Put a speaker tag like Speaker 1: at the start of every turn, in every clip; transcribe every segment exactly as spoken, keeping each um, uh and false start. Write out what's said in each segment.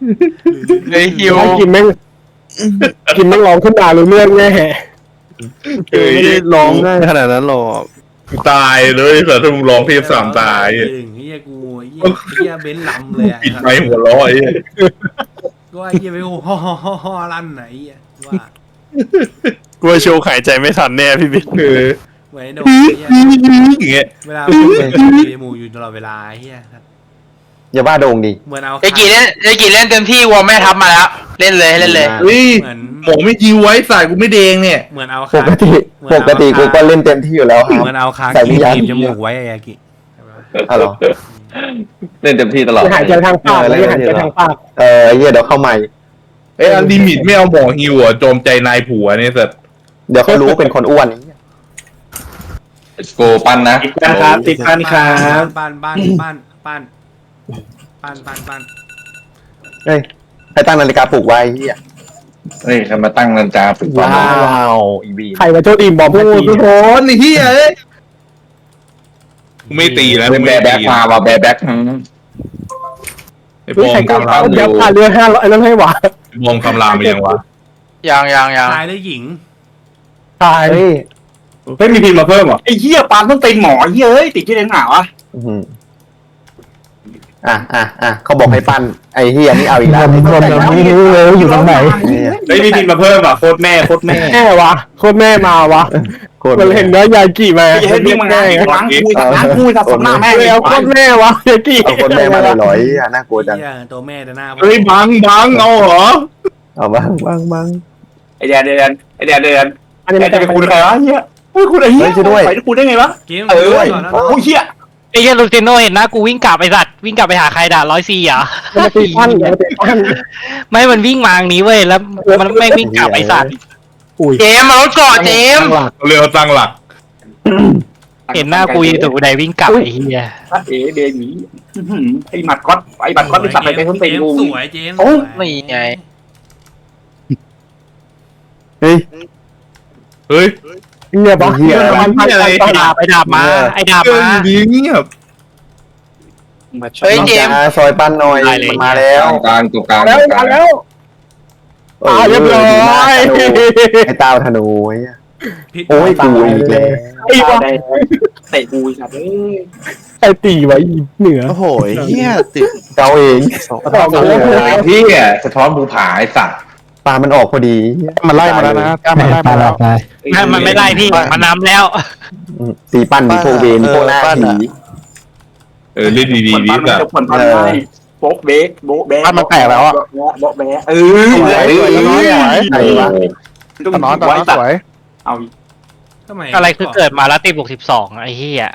Speaker 1: ไอ้ฮิว
Speaker 2: กินแม่งกินแม่งร้องขึ้นมารู้เรื่องแน่
Speaker 3: เฮ้ยไม่ได้ร้องง่ายขนาดนั้นหรอก
Speaker 4: ตายเลยแต่ถ้ามึงร้องเทพสามตาย
Speaker 5: ถึงเฮียกูเฮียเฮียเบนซ์ลำเลยอ่ะ
Speaker 4: ปิดไม้หัวร้อย
Speaker 5: ก็ไอ้เฮียไปโอ้ฮ่อฮ่อฮ่อฮ่อลั่นไหนอ่ะว่า
Speaker 3: กูโชว์หายใจไม่ทันแน่พี่บิ๊ก
Speaker 4: เออ
Speaker 5: เหมือนโดนเฮีย
Speaker 4: อย่างเงี้ย
Speaker 5: เวลาพูดเป็นหมูอยู่ตลอดเวลาเฮีย
Speaker 6: อย่าบ้าโด่งดิ
Speaker 5: เหมือนเอา
Speaker 1: ไอ้กี่เล่นไอ้กี่เล่นเต็มที่วอลแม่ทับมาแล้วเล่นเลยเล่นเลย
Speaker 4: เฮ้ย
Speaker 5: เหมือน
Speaker 4: หมอไม่ยิวไว้ใส่กูไม่เดงเนี่ย
Speaker 5: เหมือนเอา
Speaker 6: ป
Speaker 5: คาก
Speaker 6: ติปกติกูก็เล่นเต็มที่อยู่แล้วครับ
Speaker 5: เหมือนเอาคา
Speaker 6: ใส่วิ
Speaker 5: กี
Speaker 6: ญญาณ
Speaker 5: บจมูกไว้ไอ้ยากิ
Speaker 6: อ๋อเหรอ
Speaker 7: เล่นเต็มที่ตลอด
Speaker 2: หายใจทางปากเลยหายใจทางปาก
Speaker 6: เออเหี้ยเดี๋ยวเข้าใหม่
Speaker 4: เอ้ยอันลิมิตไม่เอาหมอฮิวอ่ะโจมใจนายผัวเนี่ยสัตว์
Speaker 6: เดี๋ยวเขารู้เป็นคนอ้วน
Speaker 7: โกปั้นนะ
Speaker 3: ติดกันครับติดกันครับ
Speaker 5: ปั้นปั้นปั้นปั้นปั้นปั้นปั้น
Speaker 6: เฮ้ยให้ตั้งนาฬิกาปลุกไว้เหี้ย
Speaker 7: เฮ้ยใครมาตั้งนาฬิกาฝึก
Speaker 6: ว้
Speaker 7: ปั้น
Speaker 6: าวอีบี
Speaker 2: ใครมาโจดีมบอม
Speaker 4: โอ้
Speaker 2: ให้
Speaker 4: โห
Speaker 2: ตี
Speaker 4: โหนเฮียเอ้ยกูไม่ตีนะ
Speaker 7: เป็นแบร์แบ็กมาว่ะแบร์แบ็ก
Speaker 4: ไอ้บอม
Speaker 2: ใครก็
Speaker 4: คำราม
Speaker 2: ยับพาเรือห้าร้อยนั่นให้หวา
Speaker 4: บอมคำรามไปยังวะ
Speaker 1: ยังยังยัง
Speaker 5: ชายและหญิง
Speaker 2: ตาย
Speaker 6: เฮ้ย
Speaker 3: ไม่มีพิมพ์มาเพิ่มหรอ
Speaker 8: ไอ้เหี้ยปานต้องเป็นหมอเหี้ยเอ้ยติดที่เลี้ยงหนาวะ
Speaker 6: อื้อหืออ่ะอ่ะอ่ะเขาบอกให้ปั้นไอ้เฮียนี่เอาอีกแล้ว
Speaker 2: บอมไม่รู้เลยอยู่ตรงไหน
Speaker 3: ไม่มีพิมพ์มาเพิ่มอ่ะโคตรแม่โคตรแม่
Speaker 2: แม่วะโคตรแม่มาวะ
Speaker 6: โคตร
Speaker 2: มันเห็นเนื้อยากิมา
Speaker 8: ไอ้เหี้ยนี่มึงล้างล้างคุยล้างคุยกับสมหน้าแม่
Speaker 2: เลยเอาโคตรแม่วะยากิ
Speaker 6: เอาคนแม่มาลอยๆอ่ะน่ากลัวจัง
Speaker 5: เฮียตัวแม่แต่หน้า
Speaker 4: เฮ้ยบังบังเอาเหรอ
Speaker 6: เอาบ้างบ้างบ้าง
Speaker 8: ไอ้เดียเดียนไอ้เดียเดียน
Speaker 2: อันนี้
Speaker 8: ไอ้
Speaker 2: มัน
Speaker 8: เดียเป็นคุณใครวะเหี้ยเฮ้ยคุณไอ้เหี้ยไปคุณได้ไงวะ
Speaker 5: เกม
Speaker 8: เออ
Speaker 5: ก่อนนะ
Speaker 8: โอ้ยเหี้ย
Speaker 1: ไอ้เหี้ยลูติโนเห็นนะกูวิ่งกลับไอ้สัตว์วิ่งกลับไปหาใครด่าร้อยสี่อ่ะ
Speaker 2: มันตีปั้นมันตีปั้น
Speaker 1: ไม่มันวิ่งมาทางนี้เว้ยแล้วมันไม่วิ่งกลับไอ้สัตว์
Speaker 2: อุ้ย
Speaker 1: เจมมารถเกาะเจม
Speaker 4: เรือตั้งหลัก
Speaker 1: เห็นหน้ากูอยู่ตรงใดวิ่งกลับไอ้เหี้ย
Speaker 8: เอ๋เดียหนีไอ้หมัดก๊อตไอ้หมัดก๊อตไปสับไปเป็นคนตี
Speaker 5: เจม
Speaker 8: กู
Speaker 5: สวยเจม
Speaker 1: ไม่ไง
Speaker 6: เฮ้ย
Speaker 4: เฮ้ย
Speaker 2: เนี่ยบอส
Speaker 6: เหี้ย
Speaker 2: มันพัน
Speaker 4: อะไร
Speaker 2: ไป
Speaker 1: ไอ้ดาบไอ้ดาบมาไอ้ดาบ
Speaker 4: เกิ
Speaker 1: มาน
Speaker 4: ดีเงียบ
Speaker 1: เฮ้ยเจม
Speaker 6: จ้าซอยปั้นหน่อยมันมาแล้ว
Speaker 7: กลางตัวกลาง
Speaker 6: Ờ,
Speaker 2: แล้วมาแล้วอ่าเรียบร้อย
Speaker 6: ไอ้ตาธนูไอ้
Speaker 5: พิษ
Speaker 6: โอ้ยกูอีกแล้ว
Speaker 2: ไอ้วะ
Speaker 8: เตะกูสัตว์เอ้ย
Speaker 2: ไอ้ตีไว้เหนือ
Speaker 3: โอ้โหเฮียติด
Speaker 6: เจ้าเอง
Speaker 2: ต่อกันแล้ว
Speaker 7: ที่อ่ะสะท้อนภูผาไอ้สัตว์
Speaker 6: ตามันออกพอดี
Speaker 3: มันไล่มาแล้วนะกล้ามันไล่มาแล้ว
Speaker 1: ไม่มันไม่ไล่พี่มันนำแล้ว
Speaker 6: ตีปั้นมีพวกเวนพวกหน้าผี
Speaker 4: เออเล่นดีๆ
Speaker 8: ผล
Speaker 4: ดี
Speaker 8: ปั้น
Speaker 4: แบบ
Speaker 8: จะผลปั้นได้โบ๊ะเบ๊กโบ๊ะแบ๊กโบ๊ะแบ๊กเออ
Speaker 6: สวยสวยสวยไหนวะ
Speaker 3: ตอนนอนตอนนอนสวย
Speaker 8: เอา
Speaker 5: ทำไม
Speaker 1: อะไรคือเกิดมาแล้วตีบวกสิบสองไอ้เหี้ย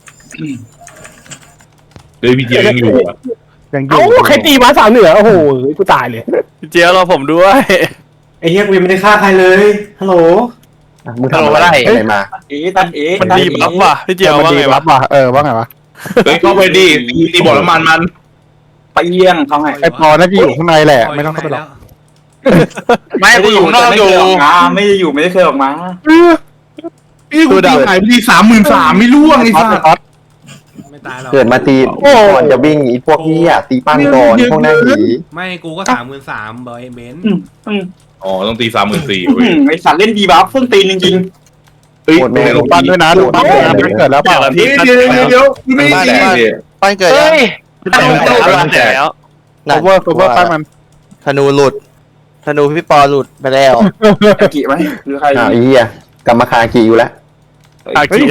Speaker 4: เลยพี่เจียยังอยู่อ่ะ
Speaker 3: ยังอ
Speaker 2: เอ้า
Speaker 3: ยู่
Speaker 2: ใครตีมาสาวเหนือโอ้โหกูตายเลย
Speaker 3: เจียวเราผมด้วย
Speaker 8: ไอ้เหี้ยกูยังไม่ได้ฆ่าใครเลยฮัลโหล
Speaker 6: มึงทำอะไรอะไรมา
Speaker 8: เอ๋ตันเอ๋
Speaker 3: มันดีบัฟว่ะพี่เจียวว่าไงวะว่ะเออว่าไงวะ
Speaker 4: เฮ้ยเข้าไปดิตีตีบ่อน้ำมันมัน
Speaker 8: ไปเยี่ยงเขาให้
Speaker 3: ไอปอน่าจะอยู่ข้างในแหละไม่ต้องเข้าไปหรอก
Speaker 1: ไม่กูอยู่ข้างนอกอยู่
Speaker 8: ไม่ได้อยู่ไม่ได้เคยออกมา
Speaker 4: พี่กูตีหายไปทีสามหมื่นสามไม่ร่วงไอ้สัส
Speaker 5: ไม่ตายหรอก
Speaker 6: เกิดมาตีก่อนจะวิ่งอีพวกนี้อ่ะตีปั้นก่อนพวกหน้าผี
Speaker 5: ไม่กูก็สามหมื่นสามบอยเบนซ์
Speaker 4: อ๋อต้องตีสามหมื่นสี่เว้ย
Speaker 8: ไอสัตว์เล่นดีบัฟเพิ่งตีจริง
Speaker 4: เฮ้ย
Speaker 3: ลงปั้นด้วยนะลงปั้นด้วยนะไม่เกิดแล้วเปล่า
Speaker 4: เดี๋ยวเดี๋ยวเดี๋ยวไม่
Speaker 7: ไม่
Speaker 4: ตี
Speaker 7: แดงดิ
Speaker 9: ปั้นเกิดยัง
Speaker 1: เฮ้ยตั้งตู้แล้วแล้ว
Speaker 3: โคเวอร์โคเวอร์ปั้นมัน
Speaker 9: ธนูหลุดธนูพี่ปอหลุดไปแล้ว
Speaker 8: ๆอากิไหมหรือใคร
Speaker 6: อ้าวไอ้เหี้ยกรรมคากีอยู่แล้ว
Speaker 3: อากิ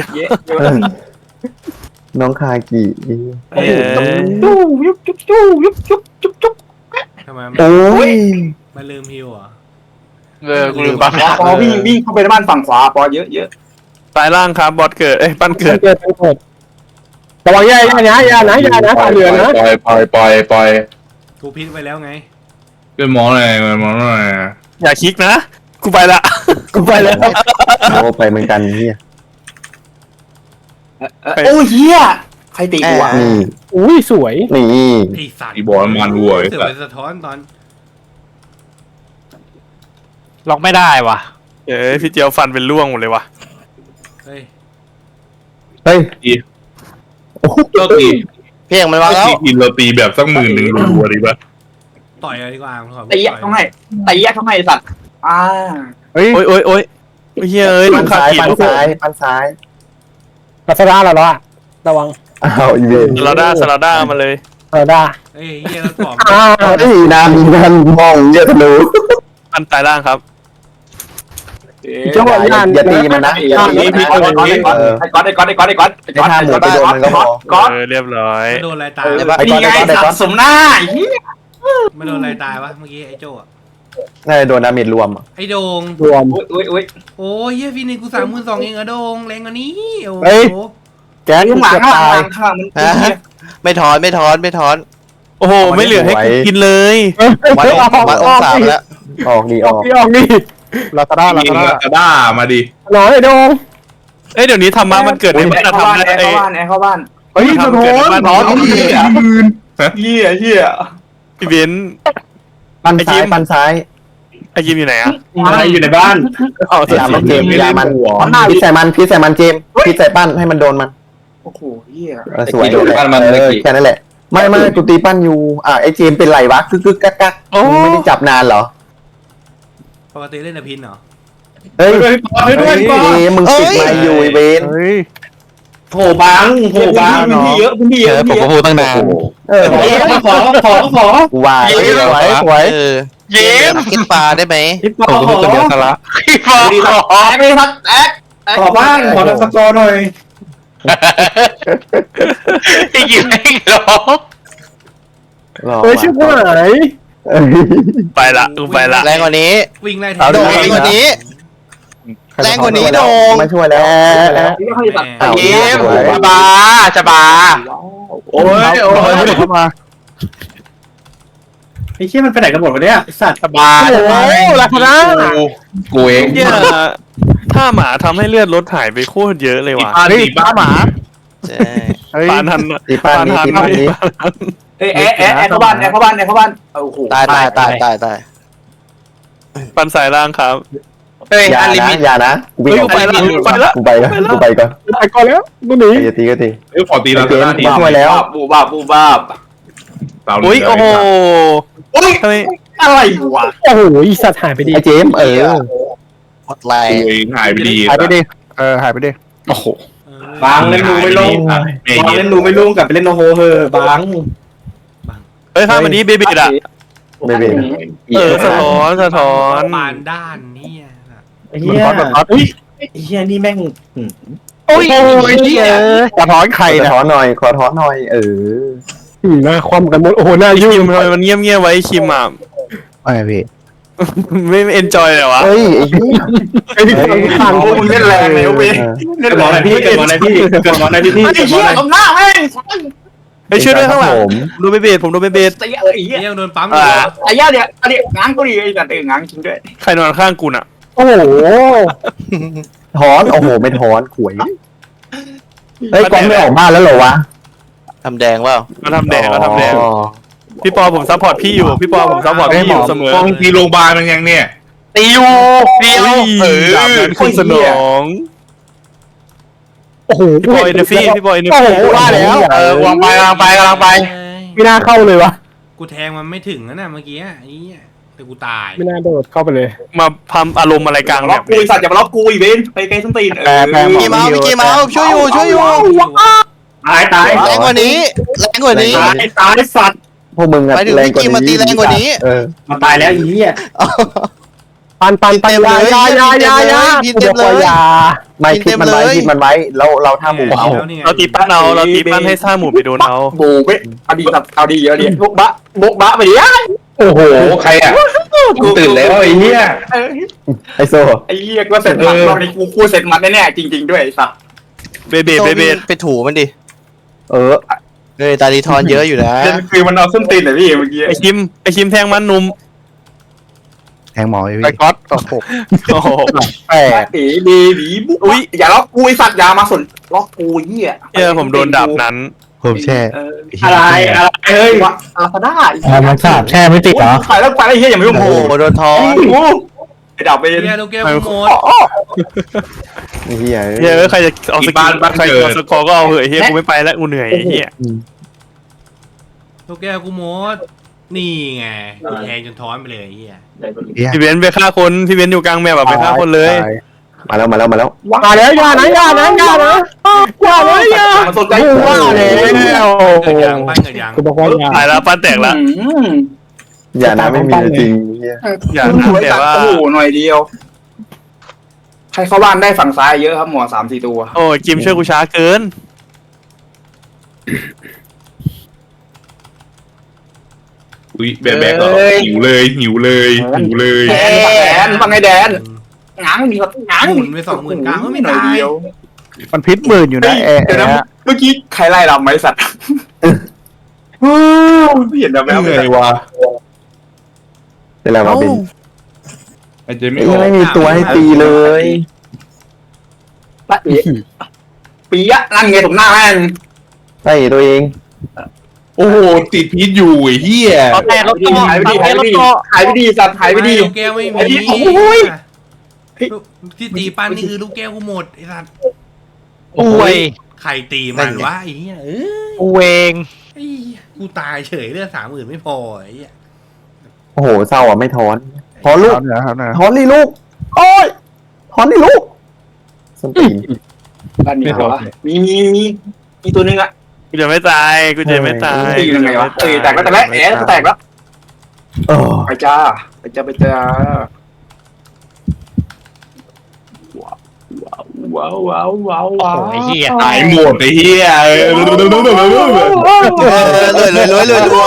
Speaker 6: น้องคากี
Speaker 5: เอ้ย
Speaker 8: จู้ยุบจุ๊บจู้ยุบจุ๊บจุ๊บจุ๊บ
Speaker 5: ทำไม
Speaker 6: โอ้ย
Speaker 5: มาลืมฮิวอ่ะ
Speaker 1: เออกูลืมบัฟ
Speaker 8: ปอวิ่งวิ่งเข้าไปในบ้านฝั่งขวาปอเยอะเยอะ
Speaker 3: สายล่างครับบอสเกิดเอ้ยปั้นเกิด
Speaker 2: เกิดเกิดระวังยายนะยานะยานะสาวเหนือนะ
Speaker 7: ปล่อยปล่อยปล่อยปล่อย
Speaker 5: กูพิษไว้แล้วไง
Speaker 4: เป็นหมอหน่อยหมอหน่อย
Speaker 3: อย่าคลิกนะกูไปละ
Speaker 2: กูไปแล้ว
Speaker 6: โอ้ไปเหมือนกันเหี้ย
Speaker 8: โอ้เฮียใครตีกูอ่ะ
Speaker 6: นี่
Speaker 2: อุ้ยสวย
Speaker 6: นี่
Speaker 5: ไอ้สัตว์
Speaker 4: ตีบ่อน้ำมันวัวไอ้
Speaker 5: เสือ
Speaker 4: สั
Speaker 5: ไป
Speaker 4: ส
Speaker 5: สะท้อนตอน
Speaker 1: ล็อกไม่ได้ว่ะ
Speaker 3: เอ้ยพี่เจียวฟันเป็นร่วงหมดเลยว่ะ
Speaker 5: เฮ้ย
Speaker 6: เฮ้ย
Speaker 4: เราตี
Speaker 9: เพียงมันวางแล้ว
Speaker 4: ตีกินเราตีแบบสักหมื่นหนึ่งรัวๆดีป่ะ
Speaker 5: ต่อยเลยดีกว่าขอ
Speaker 8: ตีเขาให้ตีเขาให้สัตว์อ่า
Speaker 2: เฮ้ย
Speaker 3: โอ้ยโอ้ยโอ้ยเฮ้ยเอ้ย
Speaker 6: ปั
Speaker 3: ลู
Speaker 6: น
Speaker 3: กค้า
Speaker 6: ซ้าย
Speaker 3: ขีด
Speaker 6: ปันซ้ายปันซ้าย
Speaker 2: ลาซาด้าแล้วอ่ะระวัง
Speaker 6: อ้าวอีเวน
Speaker 3: สลาด้าสลาด้ามาเลย
Speaker 2: ลาซาด้า
Speaker 5: เอ้ยเฮียแล้วกรอบ
Speaker 2: อ้าว
Speaker 6: เฮ้ยนานนานมองเยอะทะลุ
Speaker 3: อันตายล่างครับ
Speaker 2: จังหวะ
Speaker 6: อย่า
Speaker 2: นั้น
Speaker 6: อย่าตีมันนะ
Speaker 8: ไอ้ก๊อตไอ้ก๊อตไอ้ก๊อตไอ้ก๊อตไอ้ก๊อตไอ้ก๊อตไอ้
Speaker 6: ให้ท่าหมูไปโดนมันก็พอ
Speaker 8: ก๊อต
Speaker 3: เออเรียบร้อย
Speaker 5: ไม่โดนอะไรตาย
Speaker 6: ไอ้ก๊อต
Speaker 8: นี่ไง
Speaker 6: ไอ้ก๊อตไอ้ก๊อต
Speaker 8: สัตว์สมหน้าไอ้เหี้ย
Speaker 5: ไม่โดนอะไรตายวะเมื่อกี้ไอ้โจ้อะ
Speaker 6: น่าจะโดนดาเมจรวม
Speaker 5: ไอ้โดง
Speaker 2: รวม
Speaker 8: อุ้ยอุ้ย
Speaker 5: โอ้ยเฮียฟีนิกกูสามหมื่นสองเองอะโดงแรงกว่านี้โอ้
Speaker 2: เฮ้ย
Speaker 5: โห
Speaker 2: แก๊ส
Speaker 8: ข้างหลัง
Speaker 2: เกือบ
Speaker 8: ข้างห
Speaker 2: ตาย
Speaker 8: ลังข้างมัน
Speaker 9: ฮะไม่ถอนไม่ถอนไม่ถอน
Speaker 3: โอ้โหไม่เหลือให้กูกินเลย
Speaker 9: วัดองค์วัดองศาไปแล้ว
Speaker 6: ออกดี
Speaker 2: อ
Speaker 6: อ
Speaker 2: อ
Speaker 6: อก ก
Speaker 2: ดีออกดีลาซาด้าลา
Speaker 4: ยิง
Speaker 2: ซาด้า
Speaker 4: ลาซาด้ามาดิ
Speaker 2: หน่อยโดง
Speaker 3: เอ้ยเดี๋ยวนี้ธรรมะมันเกิดใน
Speaker 8: แอ
Speaker 3: บ้าน
Speaker 8: ร์เข้า
Speaker 3: ทำ
Speaker 8: บ้าน
Speaker 3: ได้
Speaker 8: แอร์
Speaker 3: ไอ้
Speaker 8: เข้าบ้านแอร์เข้าบ้าน
Speaker 4: เฮ้ยสะท้อนสะท้อนเหี้ยหมื่น
Speaker 8: เหี้ยเหี้ย
Speaker 3: พี่เบนซ์
Speaker 6: ปันซ้ายปันซ้าย
Speaker 3: ไอ้ยิมอยู่ไหนอะ
Speaker 4: อะไรอยู่ในบ้าน
Speaker 3: อ๋อ
Speaker 6: อย่ามันเจมอย่ามัน
Speaker 8: หัวหน้า
Speaker 6: พิษใส่มันพิษใส่มันเจมพิษใส่ปั้นให้มันโดนมัน
Speaker 8: โอ้โหเหี้ย
Speaker 6: เออสวยเออแค่นั้นแหละไม่ไม่กูตีปั้นอยู่อ่ะไอ้เจมเป็นไรวะกึกกึกกักกักไม่ได้จับนานเหรอ
Speaker 5: ปกติเล่นแต่พินเหรอ
Speaker 6: เฮ้ย
Speaker 4: เฮ้ยด้วยด้วย
Speaker 6: เอ้มึงติดมาอยู่ไอ้เวน
Speaker 2: เฮ้ย
Speaker 8: โผล่บังโผล่บังพื้นที่เยอะพื้นที่เยอะพื้นที่เยอะ
Speaker 3: พูดตั้งนาน
Speaker 6: เออ
Speaker 8: ขอขอขอ
Speaker 6: กูว่าสวยสวย
Speaker 9: เออ
Speaker 3: เย็น
Speaker 9: กินปลาได้ไหม
Speaker 8: ขอขอ
Speaker 3: พี่ฟอ
Speaker 8: ดีครับแอ๊กเลยครับแอ๊กขอบ้างขอสกอร์หน่อย
Speaker 3: ไอ้ยิมไม่หรอก
Speaker 2: เฮ้ยชื่อผู้ไหน
Speaker 3: ไปละกูไปละ
Speaker 9: แรงกว่านี้
Speaker 5: วิ่งไล่แท
Speaker 9: เอา
Speaker 5: ง
Speaker 9: โดงแรงกว่านี้ แรงกว่านี้โดง
Speaker 6: มาช่วยแล้ว
Speaker 8: ไม่ค่อยตัด
Speaker 6: เอา
Speaker 3: เย็มจะบาจะบา
Speaker 4: โอ้ยโอ้ย
Speaker 2: เข้ามา
Speaker 8: ไอ้เชี่ยมันไปไหนกันหมดวะเนี่ยสัตว์
Speaker 3: จะบา
Speaker 2: โอ้ลาซาด้า
Speaker 7: กูเอง
Speaker 3: เนี่ยถ้าหมาทำให้เลือดลดหายไปโคตรเยอะเลยว่ะ
Speaker 4: บ้านดีบ้าหมา
Speaker 9: ใช่
Speaker 2: เฮ้ย
Speaker 3: ปานทันอะ
Speaker 6: ตีปั้นนี้ตีปั้นนี้
Speaker 8: เอ้ยแอ๊กแอ๊กแอ๊กเข้าบ้านแอ๊กเข้าบ้านแอ๊กเข้าบ้านโอ้โห
Speaker 9: ตายตายตายตายตาย
Speaker 3: ปันสายล่างครับ
Speaker 7: เฮ้ย
Speaker 6: อย่า
Speaker 7: อันลิ
Speaker 6: นะ
Speaker 7: มิต
Speaker 6: อย่านะกูวิ่งออก
Speaker 3: ไปละไปละ
Speaker 6: กูไปก่อนกูไปก่อน
Speaker 2: ไปก่อนแล้วกูหนี
Speaker 6: อย่าตีก็ตี
Speaker 4: เฮ้ยขอตีลาซาด้าที
Speaker 6: ช่วยแล้ว
Speaker 8: บูบ้าบูบ้า
Speaker 3: อุ้ยโอ้โห
Speaker 8: โอ้ย
Speaker 3: ทำไม
Speaker 8: อะไรวะ
Speaker 2: โอ้โหอีสัตว์หายไปดี
Speaker 6: ไอ้เจมเออ
Speaker 9: หมดแรง
Speaker 4: กูเองหายไปดี
Speaker 2: หายไปดีเออหายไปดี
Speaker 3: โอ้โห
Speaker 5: เออบ
Speaker 8: างเล่นดูไม่ลงบางเล่นดูไม่ลงกับไปเล่นโนโฮเฮอบาง
Speaker 3: เฮ้ยข้ามมันนี้เบบีดอะ
Speaker 6: ไม่เป็น
Speaker 3: เออสะท้อนสะท้อน
Speaker 5: ปานด้านเนี่ย
Speaker 8: ไอ้เหี้ย
Speaker 2: มันพัด
Speaker 8: อุ้ยไอ้เหี้ยนี่แม่ง
Speaker 2: โอ้ยเหี้ยกระท้อนไข่
Speaker 6: ขอ
Speaker 2: นะ
Speaker 6: ถอนหน่อยขอถอนหน่อยเออ
Speaker 2: หน้าคว่ำกันหมดโอ้โหหน้า
Speaker 3: ไอ้
Speaker 2: ยุ่
Speaker 3: คิ
Speaker 2: ง
Speaker 3: มทำไมมันเงียบเงียบๆไว้ไอ้คิมอ่ะ
Speaker 2: ไม่พี่
Speaker 3: ไม่เอนจอยเลยวะ
Speaker 6: เฮ้ยไอ้เหี้ย
Speaker 2: ไอ้ที่ทาง
Speaker 8: โอ้มึงเล่นแรงเลยเว้ยเล่นหมอไหนพี่เกิดหมอไหนพี่เกิดหมอไหนพี่ไอ้เหี้ยตบหน้าแม่ง
Speaker 3: ไอ้ช่วยด้วยข้างหลัง
Speaker 6: ผม
Speaker 3: โดนเบบีดผมโดนเบบีด
Speaker 8: ไอ้เหี้ยไอ้เหี้ย
Speaker 5: เฮียยังโดนปั๊มอยู่
Speaker 3: อ่า
Speaker 8: ไอ้เหี้ยเนี่ยอันนี้ง้างก็ดีไอ้สัตว์เออง้างจริงด้วย
Speaker 3: ใครนอนข้างกูน่ะ
Speaker 2: โอ้โห
Speaker 6: ถอนโอ้โหไม่ถอนขวยเฮ้ยกองไม่ออกบ้านแล้วเหรอวะ
Speaker 9: ทำแดงเปล่า
Speaker 3: มาทำแดงมาทำแดง
Speaker 6: อ๋อ
Speaker 3: พี่ปอผมซัพพอร์ตพี่อยู่พี่ปอผมซัพพอร์ตพี่อยู่เสมอ
Speaker 4: ฟองตีโรงพยาบาลมันยังเนี่ย
Speaker 3: ตีอยู่เดียวเออดาบนั้นขึ้นสนอง
Speaker 2: โอ้โห
Speaker 3: พี่ปอเอเนฟี่พี่ปอเอเน
Speaker 2: โอ้
Speaker 3: ฟี่
Speaker 2: โหว่าแล้ว
Speaker 3: เออกำลังไปกำลังไปกำลังไป
Speaker 5: เอ้ย
Speaker 2: ไม่น่าเข้าเลยวะ
Speaker 5: กูแทงมันไม่ถึงนะน่ะเมื่อกี้ไอ้เหี้ยแต่กูตาย
Speaker 2: ไม่น่าโดดเข้าไปเลย
Speaker 3: มาพำอารมณ์อะไรกลาง
Speaker 8: ล็
Speaker 3: แบ
Speaker 8: อก
Speaker 3: บ
Speaker 8: กูไอ้สัตว์อย่ามาล็อกกูอีเวนไปไกลส้นตีนเออ
Speaker 9: พี่กีเมาส์พี่กีเมาส์ช่วยอยู่ช่วยอยู่
Speaker 8: ตายตาย
Speaker 9: แรงกว่านี้แรงกว่านี้
Speaker 8: ตายตายสัตว์
Speaker 6: พวกมึงอะ
Speaker 9: หมายถึง
Speaker 6: แรงกว่า
Speaker 9: พี่กิมมาตี
Speaker 6: นี้
Speaker 9: แรงกว่านี้
Speaker 6: เออ
Speaker 8: มาตายแล้วอีเหี้ย
Speaker 2: ปันปันปันยายายายายา
Speaker 9: พินเต็มเลย
Speaker 2: ยา
Speaker 6: ไม่พิษมันไว้พิษมันไว้แล้วเราท่าหมู
Speaker 5: เอา
Speaker 6: เอา
Speaker 5: นี่ไง
Speaker 3: เราตีปั้นเอาเราตีปั้นให้ซ่าหมูไปโดนเอา
Speaker 8: โบกเว้ยเอาดีสัตว์เอาดีเอาดีบุกบะบุกบะไปดิ
Speaker 2: โอ้โห
Speaker 7: โอ้ใครอ่ะกูตื่นแล้วไอ้เหี้ย
Speaker 6: ไอโซ
Speaker 8: ไอ้เหี้ยก็เสร็จหมัดรอบนี้กูกูเสร็จหมัดแน่ๆจริงๆด้วยไอ้สัตว์
Speaker 3: เบบีเบบี
Speaker 9: ไปถูมันดิ
Speaker 6: เออ
Speaker 9: เฮ้ยตาดีทอนเยอะอยู่นะ
Speaker 8: คือมันเอาส้นตีนเลยพี่เมื่อกี้
Speaker 3: ไอคิมไอคิมแทงมันนุ่ม
Speaker 2: แทงหมอไปก๊อตโอ้โห
Speaker 3: โอ้โห
Speaker 2: แปด
Speaker 8: เอ๋ดีดีบุ๊อุ้ยอย่าล็อกกูไอ้สัตว์อย่ามาสนล็อกกูเหี้ย
Speaker 3: เออผมโดนดาบนั้น
Speaker 2: ผมแช่
Speaker 8: อะไรอะไรเฮ้ยวะอาซาด้า
Speaker 2: มันสาบแช่ไม่ติดเหรอ
Speaker 8: ไปแล้วไปแล้วเฮียอย่าไม่
Speaker 9: โอ้
Speaker 8: ยุ่ง
Speaker 9: โห
Speaker 8: โอ้
Speaker 9: โดนทอน
Speaker 8: โหไอ้ดาวเป็น
Speaker 5: เฮียลูกแก้วกูหมด
Speaker 6: ไอ้เหี้ย
Speaker 3: เฮ้ยใครจะเอาสกิลใครเอาสกอร์ก็เอาเหอะเฮียกูไม่ไปแล้วกูเหนื่อยเฮีย
Speaker 5: ลูกแก้วกูหมดกูนี่ไงแทงจนท้อนไปเลยไอ้เฮีย
Speaker 3: พี่เบนซ์ไปฆ่าคนพี่เบนซ์อยู่กลางแมปแบบไปฆ่าคนเลย
Speaker 6: มาแล้วมาแล้วมาแล้ว
Speaker 2: มาแล้วอย่านะอย่านะอย่านะอย่านะอย่า
Speaker 8: มันสนใจ
Speaker 2: กูว่าแล้ว
Speaker 5: เกิดยังปั้นเกิดยัง
Speaker 2: กูบอกว่าอย่า
Speaker 3: ตายแล้วปั้นแตกละ
Speaker 6: อย่านะไม่มีจริง
Speaker 3: อย่า
Speaker 8: คุณ
Speaker 3: นะ
Speaker 8: ช่วย
Speaker 3: แต่
Speaker 8: ตัด
Speaker 3: ว่า
Speaker 8: โอ้โหหน่อยเดียว ใครเข้าบ้านได้ฝั่งซ้ายเยอะครับหมอสามสี่ตัว
Speaker 3: โอ้จิมช่วยกูช้าเกิน
Speaker 4: อุ้ยแบกแบกเหรอหิวเลยหิวเลยหิวเลย
Speaker 8: แดนฝั่งแดนฝั่งไงแดนง้างมีครับง้าง
Speaker 5: หมุนไปสองหมื่นกลางก็ไม่
Speaker 8: หน่อ
Speaker 5: ตาย ย
Speaker 8: เดียว
Speaker 2: มันพิษหมื่นอยู่นะแอะ
Speaker 8: เดี๋ยวนะเมื่อกี้ใครไล่เราไหมสัตว์เห็นแบบ
Speaker 4: เหนื่อยวะ
Speaker 6: เป็นไรวะบิน
Speaker 4: ไอ้เจไม่ออก
Speaker 6: ไม่มีตัวให้ตีเลย
Speaker 8: ปะเอะปีอะนั่นไงผมหน้าแม่ง
Speaker 6: ใช่ตัวเอง
Speaker 4: โอ้โหติดพิษอยู่ไอ้เหี้ย
Speaker 1: เอาแต่รถตู้
Speaker 8: หายไปดี
Speaker 1: เอา
Speaker 8: หาย
Speaker 1: แต่
Speaker 8: ไป
Speaker 1: รถ
Speaker 8: ดี
Speaker 1: ตู้
Speaker 8: หายไปดีสัตว์หายไปดี
Speaker 5: ลูกแก้วไม่มี
Speaker 8: ไอ้ที่โอ้ย
Speaker 5: ที่ตีปั้นนี่คือลูกแก้วกูหมดไอ้สัตว์
Speaker 1: อวย
Speaker 5: ใครตีมันวะไอ้เหี้ยเออ
Speaker 1: อวยเอง
Speaker 5: ไอ้เหี้ยกูตายเฉยเลือดสามหมื่นไม่พอไอ้เหี้ย
Speaker 6: โอ้โหเศร้าอ่ะไม่ถอนถอนลูก
Speaker 2: เนี่ยครับนะ
Speaker 6: ถอนดิลูกโอ้ยถอนดิลูกส้นตีน
Speaker 8: บ้านมีเหรอวะมีมีมีมีตัวนึงอะ
Speaker 3: กูจะไม่ตายกูจะไม่ตาย
Speaker 8: ตียังไงวะเอ้ยแตกแล้วแตกแล้วแอะแตกแล้ว
Speaker 6: เออ
Speaker 8: ไปจ้าไปจ้าไปจ้าว้าวว้าวว้าวว้าว
Speaker 1: โอ้ยเหี้ย
Speaker 4: ตายหมดไอ้เหี้ยเออ
Speaker 9: เออเลยเลยเลยเลยรวย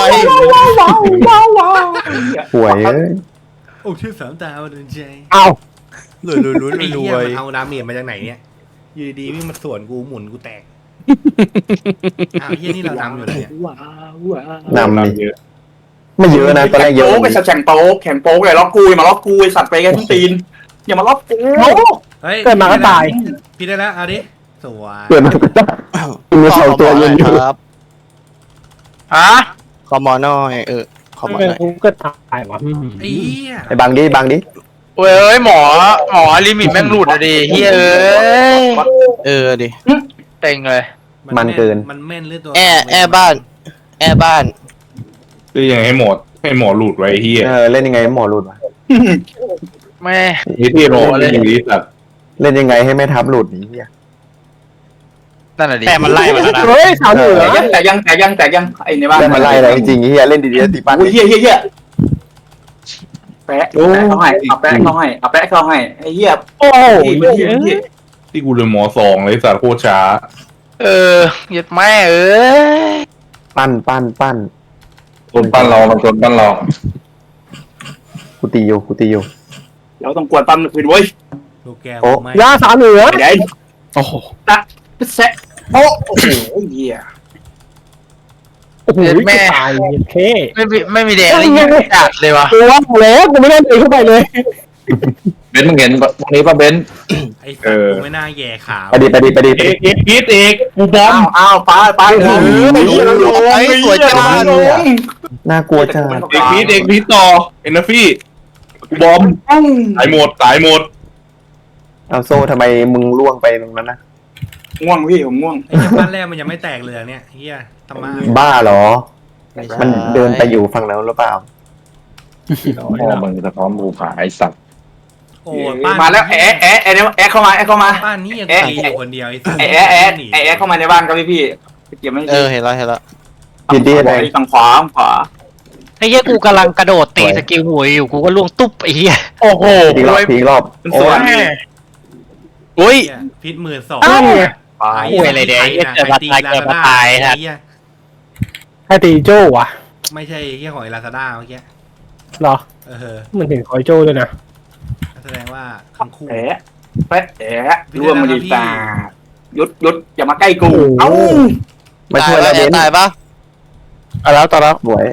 Speaker 6: ป่วยเอ้ย
Speaker 5: โอ้ชื่อสามตาวันเดินใจ
Speaker 2: เอา
Speaker 9: รวยรวยรวย
Speaker 5: ไอ้
Speaker 9: ร
Speaker 5: เหี้ย
Speaker 9: วย
Speaker 5: มันเอาดาเมจมาจากไหนเนี่ยอยืดีวิ่งมาสวนกูหมุนกูแตกอ้าวเหี้ยนี่เราทำอยู่เลยเนี่ย
Speaker 8: ว้าวว้าวน
Speaker 6: ำนี่ไม่เยอะนะตอนแรกเยอะ
Speaker 8: โป๊กไปแข่งโป๊กแข่งโป๊กเลยล็อกกูอย่ามาล็อกกูไอสัตว์ไปกันทุกตีนอย่ามาล็อกกู
Speaker 5: เฮ้ย
Speaker 2: เกิดมาก็ตาย
Speaker 5: พี่ได้แล้วเอาดิสวย
Speaker 6: เกิดมาก็ได้มีสองตัวยืนอยู่
Speaker 9: ครับ
Speaker 1: ฮะ
Speaker 9: ขอหมอหน่อยเออขอหมอ
Speaker 2: ไม่
Speaker 9: หน่อย
Speaker 2: กูก็ตายวะ
Speaker 5: ไอ้เหี้ย
Speaker 6: ไอ้บังดิบังดิ
Speaker 1: เว้ยหมอหมอลิมิตแม่งหลุดอะดิเฮ้ยเอ้ย
Speaker 9: เออดิ
Speaker 1: เต็งเลย
Speaker 6: มันเกิน
Speaker 5: มันแม่นเรื่องตัว
Speaker 9: แอร์แอร์บ้าน แอร์บ้าน
Speaker 4: คือยังให้หมดให้หมอหลุดไว้ไอ้เหี้ย
Speaker 6: เออเล่นยังไงให้หมอรุดวะ
Speaker 1: แม่
Speaker 4: ไอ้ที่หมอเลยอยู่ที่สัตว์
Speaker 6: เล่นยังไงให้แม่ทับหลุดนี่เหี้ย
Speaker 1: นั่นแหละดิแต่มันไล่มาแล้วนะ
Speaker 2: เฮ้ยสาวเหนือ
Speaker 8: แต่ยังแต่ยังแต่ยังแต่ยังไอในบ้าน
Speaker 6: เล่นมาไล่อะไรจริงๆเฮียเล่นดีๆตีปั้น
Speaker 8: โอ้ยเฮียเฮียเฮียแปะแปะเขาให้เอาแปะเขาให้เอาแปะเขาให้ไอ้เหี้ย
Speaker 2: โอ้ย
Speaker 8: เฮียเฮีย
Speaker 4: ที่กูเลยหมอสองเลยสัตว์โคตรช้า
Speaker 1: เออเหยียดแม่เอ้ย
Speaker 6: ปั้นปั้นปั้น
Speaker 7: ต้นปั้นเรามันต้นปั้นเรา
Speaker 6: กูตีอยู่กูตีอยู่
Speaker 8: เราต้องกวนปั๊มคืนเว้ย
Speaker 5: ลูกแก้ว
Speaker 6: โอ้
Speaker 5: ไม่
Speaker 2: ยาสาวเหนือ
Speaker 8: ไอ้แดง
Speaker 4: โอ้โห
Speaker 8: แซะโอ้โอ้โหเฮีย
Speaker 2: โอ้โหตายเค
Speaker 1: ไม่มีไม่มีแดงเลยยิงจัดเลยวะ
Speaker 2: กูว่าแล้วกูไม่ได้ตีเข้าไปเลย
Speaker 7: เบนซ์มึงเห็นตรงนี้ป่ะเบนซ์
Speaker 5: ไอ้สัตว์กูไม่น่าแย่ขา
Speaker 6: ไปดิไปดิไปดิไป
Speaker 4: เอ
Speaker 6: ดิ
Speaker 4: กเอกพีทเอกกูบอม
Speaker 8: อ้าวอ้าวไปไปเออไอ้เหี้ยเราลง
Speaker 9: ไอ้สวยจัง
Speaker 8: ลง
Speaker 6: น่ากลัวจัง
Speaker 4: เอกพีทเอกพีทต่อเอ็นนาฟี่กูบอมตายหมดตายหมด
Speaker 6: เอาโซ่ทำไมมึงล่วงไปตรงนั้นนะ
Speaker 8: ง่วงพี่ผมง่วง
Speaker 5: ไอ้เหี้ยบ้านแรกมันยังไม่แตกเลยเนี่ยเฮียทำไม
Speaker 6: บ้าเหรอ มันเดินไปอยู่ฝั่งนั้นหรือเปล่า
Speaker 7: พ่อมึงสะท้อนภูผาไอสัตว์
Speaker 5: โอ้บ้าน
Speaker 8: มาแล้วแอะแอะแอะแอะเข้ามาแอะเข้ามา
Speaker 5: บ้านนี้ยังตีอยู่คนเดียวไอ้สัตว์
Speaker 8: แอะแอะแอะแอะแอะเข้ามาในบ้านครับพี่พี่เก็บไม่
Speaker 9: เออเห็นแล้วเห็นแล้ว
Speaker 6: ยินดีเลย
Speaker 8: ฝั่งขวาฝั่งขวา
Speaker 1: ไอ้เหี้ยกูกำลังกระโดดตีสกิลหวยอยู่กูก็ล่วงตุ๊บไอ้เหี้ย
Speaker 4: โอ้โห
Speaker 6: ทีรอบทีรอบ
Speaker 4: มัน
Speaker 6: โอ้
Speaker 4: สวย
Speaker 6: ย
Speaker 9: อุ้ย
Speaker 5: เหี้ยพิษหมื่นสอง
Speaker 2: อ้าว
Speaker 8: ไป
Speaker 1: หวยอะไรเดี๋ยวไอ้เหี้ยเกิดมาตายเกิดมาตายฮะ
Speaker 5: เหี้ย
Speaker 2: ให้ตีโจ้วะ
Speaker 5: ไม่ใช่เฮียของไอ้ลาซาด้าเมื่อกี้
Speaker 2: หรอ
Speaker 5: เออ
Speaker 2: มันเห็นคอยโจ้ด้วยนะ
Speaker 5: แสดงว่าทั้งคู่
Speaker 8: แอะแปะแอะร่วมมาดีตายุดยุดอย่ามาใกล้กูเอ้า
Speaker 6: มา
Speaker 9: ตา
Speaker 6: ช่
Speaker 9: ย
Speaker 6: วย
Speaker 9: แล้
Speaker 6: แล้ว วเบน
Speaker 9: ตายปะ
Speaker 2: เอาแล้วต่อแล้ว
Speaker 6: สวย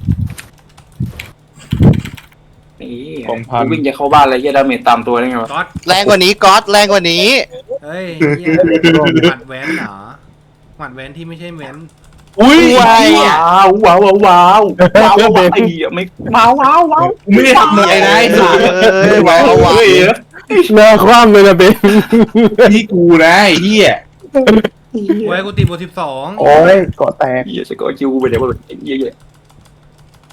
Speaker 8: นี่วิ่งจะเข้าบ้านอะไรเฮียดาเมจตามตัวได้ไงวะ
Speaker 5: ก๊อต
Speaker 9: แรงกว่านี้ก๊อตแรงกว่านี้
Speaker 5: เฮ้ยเหี้ยหมัดแว้นเหรอหมัดแว้นที่ไม่ใช่แว้น
Speaker 4: อุ้ย
Speaker 8: ว้าวว้าวว้าวว้าวว้าวว้าวไอ้เหี้ยไม่ว้าวว้าวว้าว
Speaker 4: กูไม่ได้ทำอะไรนะไอ้สัตว์
Speaker 9: เออว้าวว้าว
Speaker 4: เฮ้ย
Speaker 2: เนื้อคว่ำเลยนะเบน
Speaker 4: นี่กูนะไอ้เหี้ย
Speaker 5: ไว้กูตีบทสิบสอง
Speaker 6: โอ้ยเกาะแตก
Speaker 8: เหี้ยจะก็คิวไปเดี๋ยวไอ้เหี้ย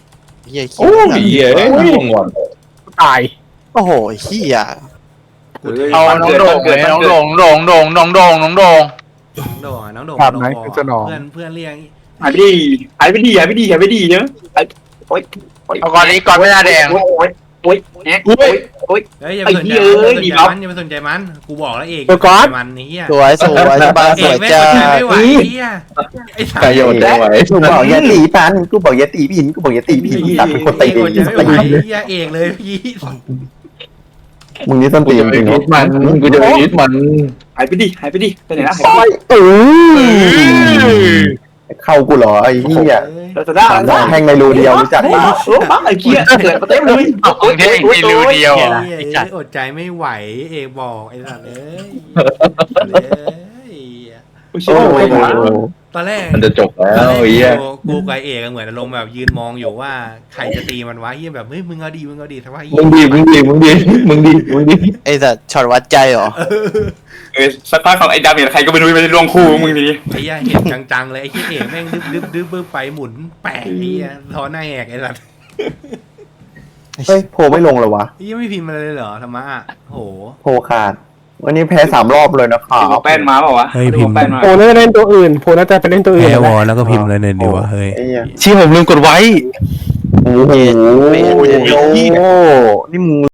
Speaker 9: เฮีย
Speaker 7: โอ้ยเหี้ยเอ้ยง่วงว่ะ
Speaker 2: ตาย
Speaker 9: โอ้โหเฮีย
Speaker 1: เอาน้องโด่งเลยน้องโด่งโด่งโด่งน้องโด่งน้องโด่ง
Speaker 5: น้องโด่งอะน้องโด่ง
Speaker 2: ภาพ
Speaker 5: น้อง
Speaker 2: ไหน
Speaker 5: บอ
Speaker 2: คือจะหนอ
Speaker 5: เพื่อนเพื่อนเรียก
Speaker 8: หายไปดีหายไปดีหายไปดีหายไปดีเนอะไอ้โอ๊ย
Speaker 1: เอาก่อนนี้ก่อนไม่น่าแดง
Speaker 8: โอ๊ยโอ๊ยโอ๊ยแอ๊ะโอ๊ยโอ๊ย
Speaker 5: เฮ้ยอย่าไปสนใจ
Speaker 8: ไอ้เหี้ยเอ้
Speaker 5: มัน
Speaker 8: ย
Speaker 5: อย่า
Speaker 8: ดี
Speaker 5: ไป
Speaker 8: ครับ
Speaker 5: สนใจมันอย่าไปสนใจมันกูบอกแล้วเอก
Speaker 2: เดี๋ยวก่อน
Speaker 5: มันไอ้เหี้ย
Speaker 9: สวยสวยสบาย
Speaker 5: เอ
Speaker 9: สว
Speaker 5: ก
Speaker 9: ย
Speaker 5: แม่ง
Speaker 9: จ้า
Speaker 5: สนใจไม่ไหวไอ้เหี้ยไอ้สัต
Speaker 7: ใคร
Speaker 5: ว์
Speaker 7: โยนได้ไหว
Speaker 6: กูบอกอย่าตีปันกูบอกอย่าตีพินกูบอกอย่าตีพินตัดเป็นคน
Speaker 5: เอ
Speaker 6: ตี
Speaker 5: กอดใจไม่ไหวไอ้เหี้ยเอกเลยพี่
Speaker 6: มึงนี่ต้น
Speaker 7: กู
Speaker 6: ตี
Speaker 7: จะ
Speaker 6: น
Speaker 7: ไป
Speaker 6: จริง
Speaker 7: ยึ
Speaker 6: เนาะ
Speaker 7: ดมันกูจะไปยึดมัน
Speaker 8: หายไปดีหายไปดีไปไหนนะ
Speaker 6: โอ้ยเออเข้ากูเหรอไอ้เหี้ย
Speaker 8: เราจะได้
Speaker 6: สามดอกแทงในรูเดียวรู้จัก
Speaker 8: โอ้โหไอ้เหี้ยเกิดมาเต็มเลย
Speaker 1: โอ้ยเท่ในรูเดียว
Speaker 5: เหี้ย
Speaker 1: อะ
Speaker 5: เอ้ยอดใจไม่ไหวเอกบอกไอ้สัตว์เอ้ยเอ้ย
Speaker 8: โอ้
Speaker 6: โอ้ย
Speaker 5: ตอนแรก
Speaker 7: มันจะจบแล้วไอ้เหี้ย
Speaker 5: กูกูกับเอกอะเหมือนอารมณ์แบบยืนมองอยู่ว่าใครจะตีมันวะเฮียแบบเฮ้ยมึงเอาดีมึงเอาดีแต่ว่าเฮี
Speaker 7: มึ
Speaker 5: ย
Speaker 7: งดีมึงดีมึงดีมึงดีมึงดี
Speaker 9: ไอ้สัตว์ช็อตวัดใจเหรอ
Speaker 8: เออสักพักของไอ้ดาเมจใครก็ไม่รู้ไปลงคู่มึงนี่
Speaker 5: ไอ้เฮียเห็นจังๆเลยไอ้เฮียเอกแม่งดึ๊บดึ๊บดึ๊บดึ๊บไปหมุนแปะไอ้เฮียท้อหน้าแหกไอ้สัตว์
Speaker 6: เฮ้ยโพไม่ลงเหรอวะ
Speaker 5: ไอ้เฮียไม่พิมพ์มาเลยเหรอธรรมะอ่ะโห
Speaker 6: โพขาดวันนี้แพ้สามรอบเลยนะครับ
Speaker 8: ดูแป้นมาเปล่าวะดูแป้นมา
Speaker 2: โพน่าจะเล่นตัวอื่นโพน่าจะไปเล่นตัวอื่น
Speaker 5: แพ้วอแล้วก็พิมพ์เลยเนี่ยดีวะเฮ้ย
Speaker 6: ไอ้เหี้ย
Speaker 3: ชี้ผมลืมกดไว้
Speaker 6: โอ้โหนี่มึง